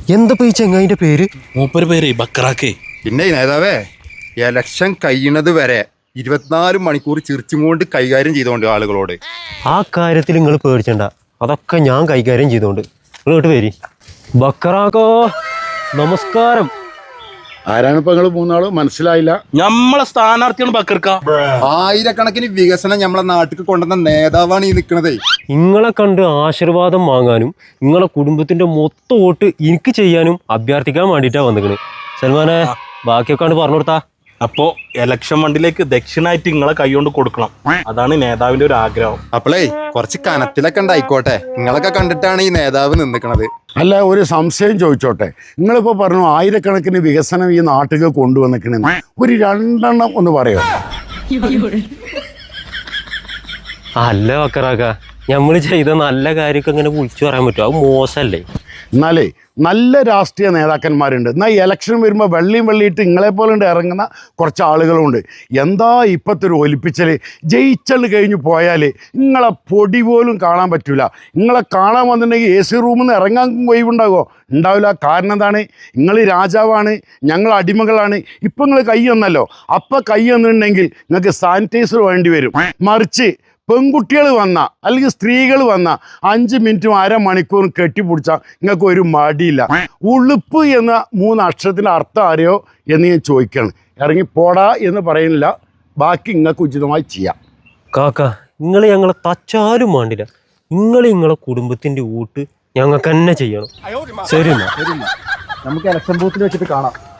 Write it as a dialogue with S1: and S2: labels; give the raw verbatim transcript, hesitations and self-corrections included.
S1: എന്താ ഈ ചെങ്ങായിന്റെ പേര്?
S2: മൂപ്പര് പേര് ബക്കറാക്കേ.
S3: പിന്നെ നേതാവേ, എലക്ഷൻ കഴിയണത് വരെ ഇരുപത്തിനാല് മണിക്കൂർ ചിരിച്ചും കൊണ്ട് കൈകാര്യം ചെയ്തോണ്ട് ആളുകളോട്.
S1: ആ കാര്യത്തിൽ നിങ്ങൾ പേടിച്ചണ്ട, അതൊക്കെ ഞാൻ കൈകാര്യം ചെയ്തോണ്ട്. നിങ്ങളോട്ട് വരി. ബക്കറാക്കോ നമസ്കാരം.
S4: ആരാണ് ഇപ്പൊ നിങ്ങൾ മൂന്നാളും? മനസ്സിലായില്ല.
S2: നമ്മളെ സ്ഥാനാർത്ഥിയാണ് ബക്കർക്ക.
S3: ആയിരക്കണക്കിന് വികസനം നമ്മളെ നാട്ടിൽ കൊണ്ടുവന്ന നേതാവാണ് ഈ നിൽക്കണതേ.
S1: നിങ്ങളെ കണ്ട് ആശീർവാദം വാങ്ങാനും നിങ്ങളെ കുടുംബത്തിന്റെ മൊത്തം വോട്ട് എനിക്ക് ചെയ്യാനും അഭ്യർത്ഥിക്കാൻ വേണ്ടിയിട്ടാണ് വന്നിക്കണ്. സൽമാനെ, ബാക്കിയൊക്കെ പറഞ്ഞു കൊടുത്താ.
S2: അപ്പോ എലക്ഷൻ ഫണ്ടിലേക്ക് ദക്ഷിണായിട്ട് നിങ്ങളെ കൈകൊണ്ട് കൊടുക്കണം. അതാണ് നേതാവിന്റെ ഒരു ആഗ്രഹം.
S3: അപ്പളേ കുറച്ച് കനത്തിലൊക്കെ ഉണ്ടായിക്കോട്ടെ. നിങ്ങളൊക്കെ കണ്ടിട്ടാണ് ഈ നേതാവ് നിന്നിക്കണത്.
S4: അല്ല, ഒരു സംശയം ചോദിച്ചോട്ടെ. നിങ്ങളിപ്പോ പറഞ്ഞു ആയിരക്കണക്കിന് വികസനം ഈ നാട്ടിൽ കൊണ്ടുവന്നിക്കണെന്ന്. ഒരു രണ്ടെണ്ണം ഒന്ന് പറയോ?
S1: അല്ല ബക്കറാക്ക, നമ്മൾ ചെയ്ത നല്ല കാര്യമൊക്കെ ഇങ്ങനെ വിളിച്ചു പറയാൻ പറ്റുമോ? അത് മോശമല്ലേ?
S4: എന്നാലേ നല്ല രാഷ്ട്രീയ നേതാക്കന്മാരുണ്ട്. എന്നാൽ ഈ ഇലക്ഷൻ വരുമ്പോൾ വെള്ളിയും വെള്ളിയിട്ട് നിങ്ങളെ പോലെ ഇറങ്ങുന്ന കുറച്ച് ആളുകളുണ്ട്. എന്താ ഇപ്പോഴത്തെ ഒരു ഒലിപ്പിച്ചൽ. ജയിച്ചല് കഴിഞ്ഞ് പോയാൽ നിങ്ങളെ പൊടി പോലും കാണാൻ പറ്റില്ല. നിങ്ങളെ കാണാൻ വന്നിട്ടുണ്ടെങ്കിൽ എ സി റൂമിൽ നിന്ന് ഇറങ്ങാൻ ഒഴിവുണ്ടാകുമോ? ഉണ്ടാവില്ല. കാരണം എന്താണ്? നിങ്ങൾ രാജാവാണ്, ഞങ്ങൾ അടിമകളാണ്. ഇപ്പം നിങ്ങൾ കൈ വന്നല്ലോ, അപ്പം കൈ വന്നിട്ടുണ്ടെങ്കിൽ നിങ്ങൾക്ക് സാനിറ്റൈസർ വേണ്ടി വരും. മറിച്ച് പെൺകുട്ടികൾ വന്ന അല്ലെങ്കിൽ സ്ത്രീകൾ വന്ന അഞ്ച് മിനിറ്റും അരമണിക്കൂറും കെട്ടിപ്പിടിച്ചാൽ നിങ്ങൾക്ക് ഒരു മടിയില്ല. ഉളുപ്പ് എന്ന മൂന്ന് അക്ഷരത്തിൻ്റെ അർത്ഥം അറിയോ എന്ന് ഞാൻ ചോദിക്കുകയാണ്. ഇറങ്ങി പോടാ എന്ന് പറയുന്നില്ല, ബാക്കി നിങ്ങൾക്ക് ഉചിതമായി ചെയ്യാം.
S1: കാക്ക, നിങ്ങൾ ഞങ്ങളെ തച്ചാലും വേണ്ടില്ല. നിങ്ങൾ നിങ്ങളെ കുടുംബത്തിന്റെ വോട്ട് ഞങ്ങൾക്ക് തന്നെ ചെയ്യണം. ശരി എന്നാ
S5: നമുക്ക് ഇലക്ഷൻ ബൂത്തിൽ വെച്ചിട്ട് കാണാം.